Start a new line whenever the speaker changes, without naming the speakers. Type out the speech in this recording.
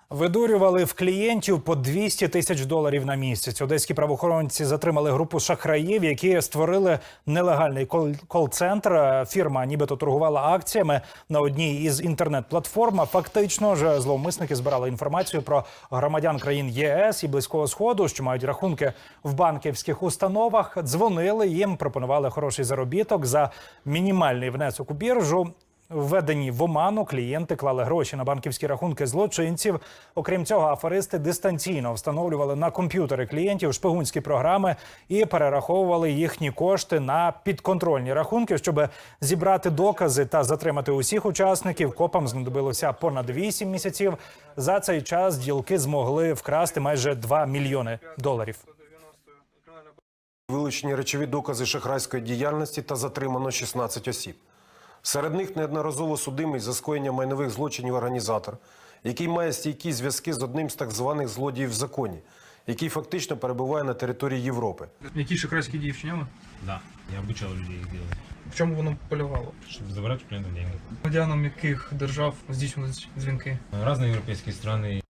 Видурювали в клієнтів по 200 тисяч доларів на місяць. Одеські правоохоронці затримали групу шахраїв, які створили нелегальний кол-центр. Фірма нібито торгувала акціями на одній із інтернет-платформ. Фактично ж зловмисники збирали інформацію про громадян країн ЄС і Близького Сходу, що мають рахунки в банківських установах. Дзвонили їм, пропонували хороший заробіток за мінімальний внесок у біржу. Введені в оману клієнти клали гроші на банківські рахунки злочинців. Окрім цього, аферисти дистанційно встановлювали на комп'ютери клієнтів шпигунські програми і перераховували їхні кошти на підконтрольні рахунки. Щоб зібрати докази та затримати усіх учасників, копам знадобилося понад 8 місяців. За цей час ділки змогли вкрасти майже 2 мільйони доларів.
Вилучені речові докази шахрайської діяльності та затримано 16 осіб. Серед них неодноразово судимий за скоєння майнових злочинів організатор, який має стійкі зв'язки з одним з так званих злодіїв в законі, який фактично перебуває на території Європи.
Які шахрайські дії вчиняли?
Да, я обучал людей их делать,
В чому воно полягало?
чтобы забрать у клиентов деньги.
Громадянам яких держав здійснювали дзвінки?
Разные европейские страны.